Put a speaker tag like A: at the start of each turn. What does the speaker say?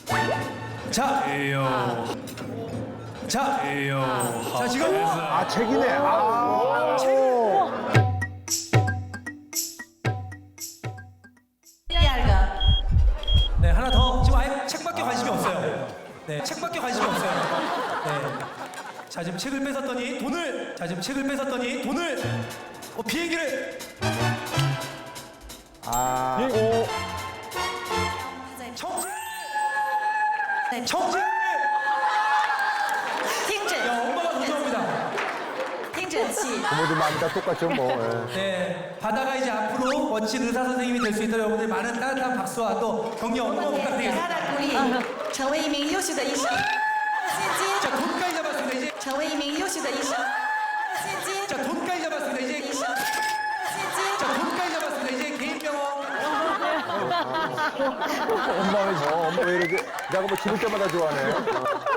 A: 자, 자, 자 지금
B: 아, 책이네. 아.
A: 네 하나 더 지금 아예 책밖에 관심이 없어요. 네 책밖에 관심이 없어요. 네. 자 지금 책을 뺏었더니 돈을 비행기를
B: 아.
A: 청진
C: 听诊，
A: 야 엄마가 무서웁니다.
C: 听诊器。
B: 부모들 마음이 다 똑같죠, 뭐. 예.
A: 네 바다가 이제 앞으로 멋진 의사 선생님이 될 수 있도록 여러분들 많은 따뜻한 박수와 또 격려 응원
C: 给大
A: 부탁드리겠습니다.
C: 家鼓励，成为一名优秀的医生。现金，
A: 자 돈까지 잡았습니다. 이제
C: 成为一名优秀的医生。现金，
A: 자 돈까지 잡았습니다. 이제
C: 医生。现金，
A: 자 돈까지 잡았습니다. 이제 개인 병원.
B: 엄마 왜 이렇게, 내가 뭐 집을 때마다 좋아하네.